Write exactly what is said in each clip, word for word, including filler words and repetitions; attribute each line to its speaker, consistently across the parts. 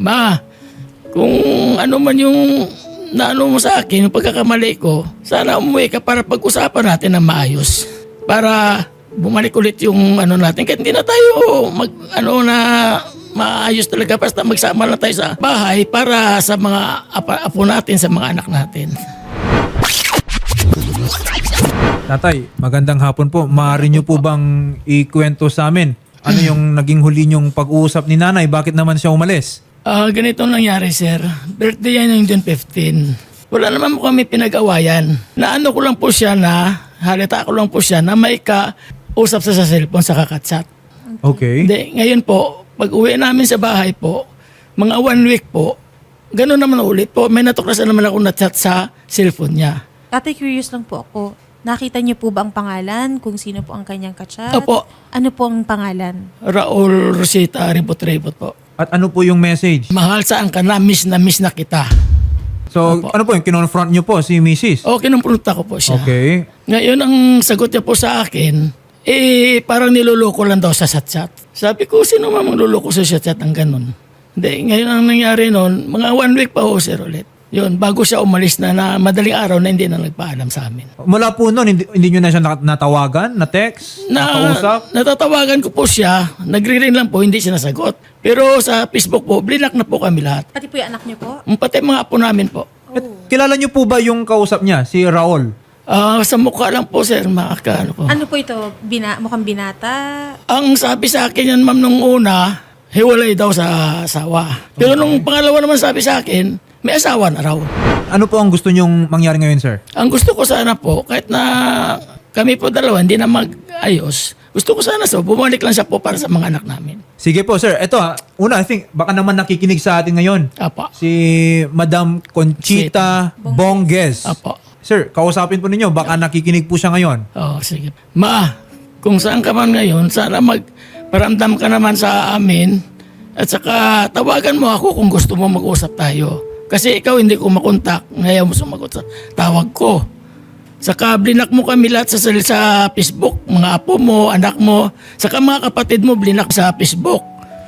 Speaker 1: Ma, kung ano man yung naano mo sa akin, yung pagkakamali ko, sana umuwi ka para pag-usapan natin ng maayos. Para bumalik ulit yung ano natin. Kahit hindi na tayo mag, ano na maayos talaga. Basta magsama na tayo sa bahay para sa mga apa, apo natin, sa mga anak natin.
Speaker 2: Tatay, magandang hapon po. Maaari niyo po bang ikwento sa amin? Ano yung naging huli niyong pag-uusap ni nanay? Bakit naman siya umalis?
Speaker 1: Ah, ganito nangyari, sir. Birthday yan yung June fifteenth. Wala naman po kami pinag-awayan. Naano ko lang po siya na, halita ko lang po siya na may ka-usap sa, sa cellphone sa kakatsat.
Speaker 2: Okay.
Speaker 1: Hindi, ngayon po, pag uwi namin sa bahay po, mga one week po, gano'n naman ulit po, may natuklasan naman ako na chat sa cellphone niya.
Speaker 3: Tatay, curious lang po ako. Nakita niyo po ba ang pangalan? Kung sino po ang kanyang kachat?
Speaker 1: Opo,
Speaker 3: Ano po ang pangalan?
Speaker 1: Raul Rosita Ribot-Ribot po.
Speaker 2: At ano po yung message?
Speaker 1: Mahal saan ka na, miss na miss na kita.
Speaker 2: So,
Speaker 1: Opo.
Speaker 2: ano po yung kinonfront niyo po si missus?
Speaker 1: O, kinumpulta ko po siya.
Speaker 2: Okay.
Speaker 1: Ngayon, ang sagot niya po sa akin, eh, parang niloloko lang daw sa chat-chat. Sabi ko, sino man magluloko sa chat-chat ng ganun? Hindi, ngayon ang nangyari noon, mga one week pa ho, sir, ulit. Yun, bago siya umalis na, na madaling araw na hindi na nagpaalam sa amin.
Speaker 2: Mula po noon, hindi, hindi nyo na siya nat- natawagan, na-text,
Speaker 1: Na,
Speaker 2: nakausap?
Speaker 1: natatawagan ko po siya, nagre-ring lang po, hindi siya nasagot. Pero sa Facebook po, blinak na po kami lahat.
Speaker 3: Pati po yung anak niyo po?
Speaker 1: Pati mga apo namin po.
Speaker 2: At kilala nyo po ba yung kausap niya, si Raul?
Speaker 1: Ah, sa mukha lang po, sir, makaka, ano po.
Speaker 3: Ano po ito? Bina, mukhang binata?
Speaker 1: Ang sabi sa akin yan, ma'am, nung una, hiwalay daw sa asawa. Pero nung pangalawa naman sabi sa akin, may asawa na raw.
Speaker 2: Ano po ang gusto nyong mangyari ngayon, sir?
Speaker 1: Ang gusto ko sana po, kahit na kami po dalawa, hindi na mag-ayos, gusto ko sana so, bumalik lang siya po para sa mga anak namin.
Speaker 2: Sige po, sir. Ito ha, una, I think, baka naman nakikinig sa atin ngayon.
Speaker 1: Apa.
Speaker 2: Si Madam Conchita Bonges.
Speaker 1: Apa.
Speaker 2: Sir, kausapin po ninyo, baka nakikinig po siya ngayon.
Speaker 1: Oh, sige. Ma, kung saan ka man ngayon, sana magparamdam ka naman sa amin at saka tawagan mo ako kung gusto mo mag-usap tayo. Kasi ikaw hindi ko makontak, ngayon mo sumagot sa tawag ko. Saka blinak mo kami lahat sa, sa Facebook, mga apo mo, anak mo, saka mga kapatid mo blinak sa Facebook.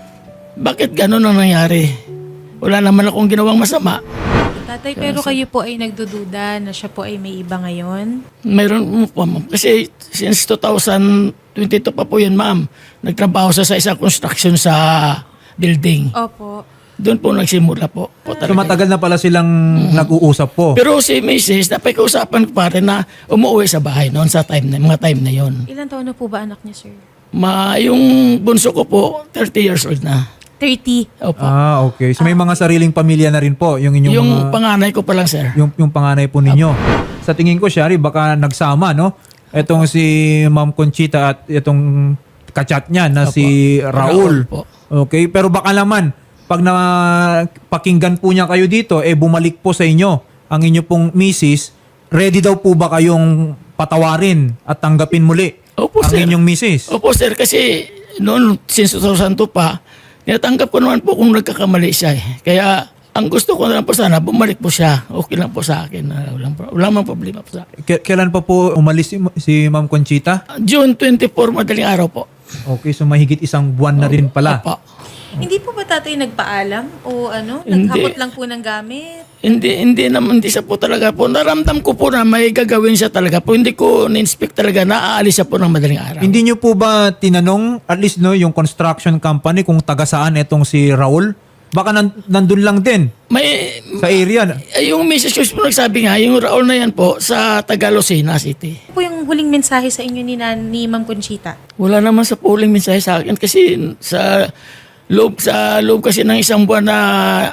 Speaker 1: Bakit ganun ang nangyari? Wala naman akong ginawang masama.
Speaker 3: Tatay, pero kayo po ay nagdududa na siya po ay may iba ngayon?
Speaker 1: Mayroon mo po, ma'am. Kasi since two thousand twenty-two pa po yun, ma'am. Nagtrabaho siya sa isang construction sa building.
Speaker 3: Opo.
Speaker 1: Doon po nagsimula po. po
Speaker 2: So
Speaker 1: talaga.
Speaker 2: matagal na pala silang nag-uusap po.
Speaker 1: Pero si Missus napag-usapan ko pa rin na umuwi sa bahay noon sa time na, mga time na yon.
Speaker 3: Ilan taon na po ba anak niya, sir?
Speaker 1: Ma, yung bunso ko po, thirty years old na.
Speaker 3: thirty.
Speaker 1: Opo.
Speaker 2: Ah, okay. So may mga sariling pamilya na rin po yung inyong
Speaker 1: yung
Speaker 2: mga,
Speaker 1: panganay ko pa lang, sir.
Speaker 2: yung, yung panganay po ninyo. Sa tingin ko, Shari, baka nagsama, no? Etong si Ma'am Conchita at itong kachat niya na
Speaker 1: Opo.
Speaker 2: si Raul.
Speaker 1: po.
Speaker 2: Okay, pero baka naman pag na pakinggan po niya kayo dito, eh bumalik po sa inyo ang inyo pong misis, ready daw po ba kayong patawarin at tanggapin muli
Speaker 1: Opo,
Speaker 2: ang
Speaker 1: sir.
Speaker 2: inyong misis?
Speaker 1: Opo, sir, kasi noon, since two thousand two pa, tinatanggap ko naman po kung nagkakamali siya eh. Kaya ang gusto ko na lang po sana, bumalik po siya. Okay lang po sa akin. Uh, walang, walang problema po sa akin.
Speaker 2: K- kailan pa po umalis si, si Ma'am Conchita?
Speaker 1: June twenty-four, madaling araw po.
Speaker 2: Okay, so mahigit isang buwan na rin pala.
Speaker 1: Opo.
Speaker 3: Hindi po ba tatay nagpaalam? O ano?
Speaker 1: Hindi.
Speaker 3: Naghabot lang po ng gamit?
Speaker 1: Hindi, hindi naman, hindi siya po talaga po. Naramdam ko po na may gagawin siya talaga po. Hindi ko na-inspect talaga na aalis siya po ng madaling araw.
Speaker 2: Hindi niyo po ba tinanong, at least no, yung construction company kung taga saan itong si Raul? Baka nan- nandun lang din
Speaker 1: May,
Speaker 2: sa area.
Speaker 1: eh, yung missus ko po nagsabi nga, yung Raul na yan po, sa Tagalocena City.
Speaker 3: Ano po yung huling mensahe sa inyo ni, Nan- ni Ma'am Conchita?
Speaker 1: Wala naman sa polling mensahe sa akin kasi sa loob, sa loob kasi ng isang buwan na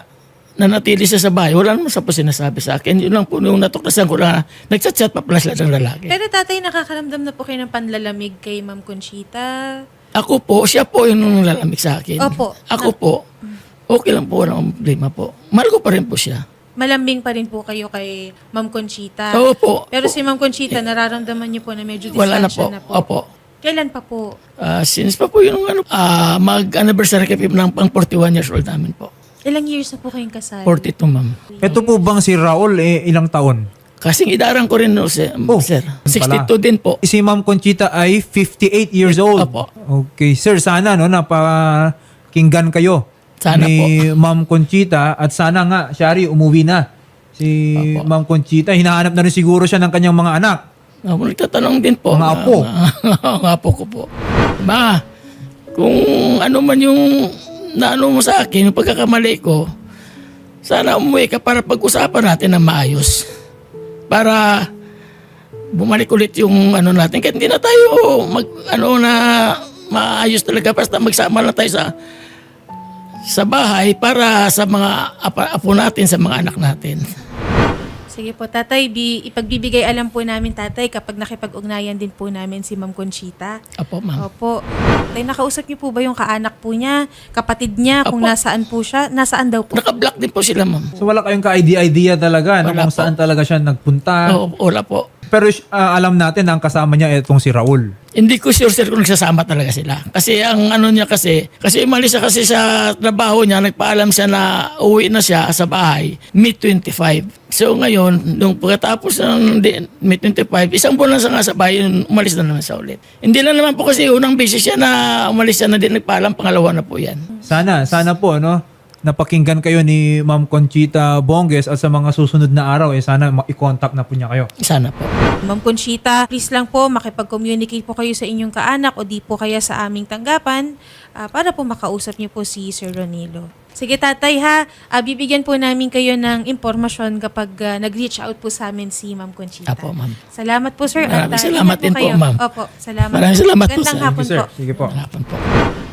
Speaker 1: nanatili siya sa bahay, wala naman sa po sinasabi sa akin. Yun lang po yung natuklasan ko na nagchat-chat pa pala sila ng lalaki.
Speaker 3: Pero tatay, nakakaramdam na po kayo ng panlalamig kay Ma'am Conchita?
Speaker 1: Ako po, siya po yung nalalamig sa akin.
Speaker 3: Opo.
Speaker 1: Ako po, okay lang po, walang problema po. Mahal ko pa rin po siya.
Speaker 3: Malambing pa rin po kayo kay Ma'am Conchita.
Speaker 1: Oo po.
Speaker 3: Pero si Ma'am Conchita, nararamdaman niyo po na medyo
Speaker 1: Wala na po.
Speaker 3: distansya na po.
Speaker 1: Opo.
Speaker 3: Kailan pa po?
Speaker 1: Ah, since pa po yung ano, ah, mag-anniversary kami ng pang forty-one years old namin po.
Speaker 3: Ilang years na po kayong kasal?
Speaker 1: forty-two, ma'am.
Speaker 2: Ito po bang si Raul, eh, ilang taon?
Speaker 1: Kasing idarang ko rin, no, sir.
Speaker 2: Oh,
Speaker 1: sir.
Speaker 2: pala.
Speaker 1: sixty-two din po.
Speaker 2: Si Ma'am Conchita ay fifty-eight years old.
Speaker 1: Opo.
Speaker 2: Okay, sir, sana no, napakinggan kayo
Speaker 1: Sana
Speaker 2: ni Ma'am Conchita at sana nga, Shari, umuwi na si
Speaker 1: Opo.
Speaker 2: Ma'am Conchita. Hinahanap na rin siguro siya ng kanyang mga anak.
Speaker 1: Ako nagtatanong din po.
Speaker 2: Mga apo.
Speaker 1: Mga apo ko po. Ma, kung ano man yung naano mo sa akin, yung pagkakamali ko, sana umuwi ka para pag-usapan natin ng maayos. Para bumalik ulit yung ano natin. Kahit hindi na tayo mag, ano na maayos talaga. Basta magsama na tayo sa sa bahay para sa mga apa, apo natin, sa mga anak natin.
Speaker 3: Sige po, tatay, bi, ipagbibigay alam po namin, tatay, kapag nakipag-ugnayan din po namin si Ma'am Conchita.
Speaker 1: Apo, ma'am.
Speaker 3: Opo. Tay, nakausap niyo po ba yung kaanak po niya, kapatid niya, kung
Speaker 1: Opo.
Speaker 3: nasaan po siya? Nasaan daw po?
Speaker 1: Naka-block din po sila, ma'am.
Speaker 2: So wala kayong ka-idea-idea talaga no,
Speaker 1: Wala
Speaker 2: kung
Speaker 1: po.
Speaker 2: saan talaga siya nagpunta.
Speaker 1: Oo, wala po.
Speaker 2: Pero ah, alam natin na ang kasama niya itong si Raul.
Speaker 1: Hindi ko sure sir kung nagsasama talaga sila. Kasi ang ano niya kasi, kasi umalis siya kasi sa trabaho niya, nagpaalam siya na uwi na siya sa bahay, May twenty-five. So ngayon, nung pagkatapos ng di- May twenty-five, isang buwan lang siya nga sa bahay, yun, umalis na naman siya ulit. Hindi lang naman po kasi unang beses siya na umalis siya na din nagpaalam, pangalawa na po yan.
Speaker 2: Sana, sana po, no? Napakinggan kayo ni Ma'am Conchita Bonges at sa mga susunod na araw, eh, sana ma- i-contact na po niya kayo.
Speaker 1: Sana po.
Speaker 3: Ma'am Conchita, please lang po makipag-communicate po kayo sa inyong kaanak o di po kaya sa aming tanggapan ah, para po makausap niyo po si Sir Ronilo. Sige tatay ha, Ah, bibigyan po namin kayo ng impormasyon kapag ah, nag-reach out po sa amin si Ma'am Conchita.
Speaker 1: Apo, ma'am.
Speaker 3: Salamat po sir.
Speaker 1: Maraming
Speaker 3: At, ah,
Speaker 1: salamat
Speaker 3: ingat
Speaker 1: din po,
Speaker 3: kayo.
Speaker 1: ma'am.
Speaker 3: Opo, salamat.
Speaker 1: Maraming salamat po,
Speaker 3: Gandang
Speaker 1: sir.
Speaker 3: hapon
Speaker 2: Sige, sir.
Speaker 3: po.
Speaker 2: Sige po.
Speaker 1: Hapon po.